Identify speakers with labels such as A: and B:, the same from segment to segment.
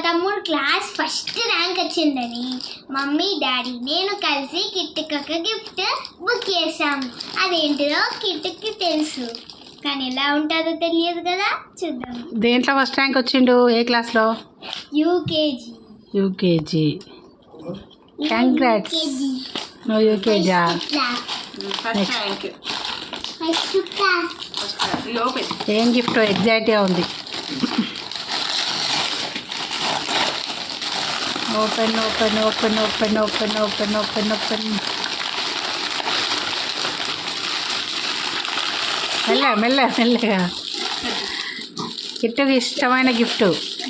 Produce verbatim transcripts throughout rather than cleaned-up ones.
A: తమ్ముడు class first rank వచ్చిందని mummy daddy నేను కలిసి కిట్టుకి ఒక గిఫ్ట్ బుక్ చేసాం. అదేంటిదో కిట్టుకి తెలుసు, కానీ ఎలా ఉంటుందో తెలియదు కదా, చూద్దాం.
B: దేంట్లో ఫస్ట్ ర్యాంక్ వచ్చిండు? ఏ క్లాస్లో?
A: యూకేజీ.
B: యూకేజీ. కంగ్రాట్స్. నువ్వు యూకేజా? ఏం గిఫ్ట్ ఎగ్జైట్గా ఉంది. Open open open open open open open open మెల్ల మెల్ల మెల్లగా. కిట్టుకి ఇష్టమైన గిఫ్ట్.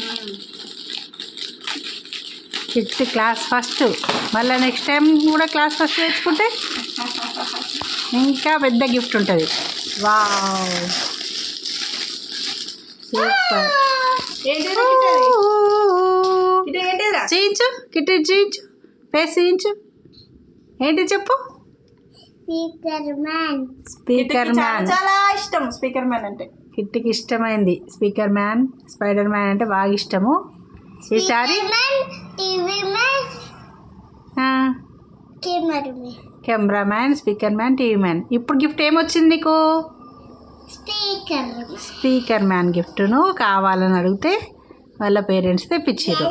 B: కిట్టు క్లాస్ ఫస్ట్, మళ్ళీ నెక్స్ట్ టైం కూడా క్లాస్ ఫస్ట్ తెచ్చుకుంటే ఇంకా పెద్ద గిఫ్ట్ ఉంటుంది. Wow super. చేయించు కిట్టు, చేయించు ఫేస్ చేయించు. ఏంటి చెప్పు?
A: Speaker man.
B: స్పీకర్ మ్యాన్
C: చాలా ఇష్టం. స్పీకర్ మ్యాన్ అంటే
B: కిట్టుకి ఇష్టమైంది. స్పీకర్ మ్యాన్, స్పైడర్ మ్యాన్ అంటే బాగా ఇష్టము. ఈసారి
A: TV man, camera man.
B: Camera man, speaker man, TV man. ఇప్పుడు గిఫ్ట్ ఏమొచ్చింది నీకు?
A: స్పీకర్.
B: స్పీకర్ మ్యాన్ గిఫ్ట్ను కావాలని అడిగితే వాళ్ళ పేరెంట్స్ తెప్పించారు.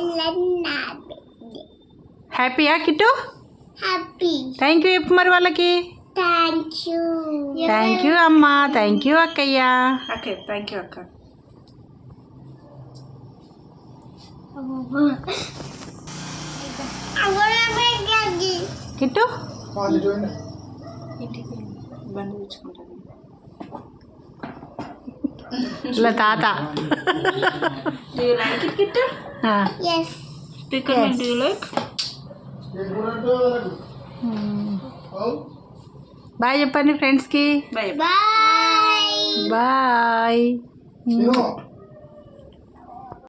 B: హ్యాపీయా కిట్టు?
A: హ్యాపీ.
B: థ్యాంక్ యూ చెప్పు మరి వాళ్ళకి.
A: Thank you.
B: థ్యాంక్ యూ అమ్మా. థ్యాంక్ యూ అక్కయ్య.
C: ఓకే థ్యాంక్ యూ అక్క.
B: కిట్టు
C: ఇంటికి బండి తెచ్చుకుంటాను.
B: ఇలా తాత.
C: Do you like it, Kittu?
A: Yes.
C: Speaker man, do you like?
B: Bye చెప్పండి ఫ్రెండ్స్కి.
C: Bye.
A: Bye.
B: బాయ్.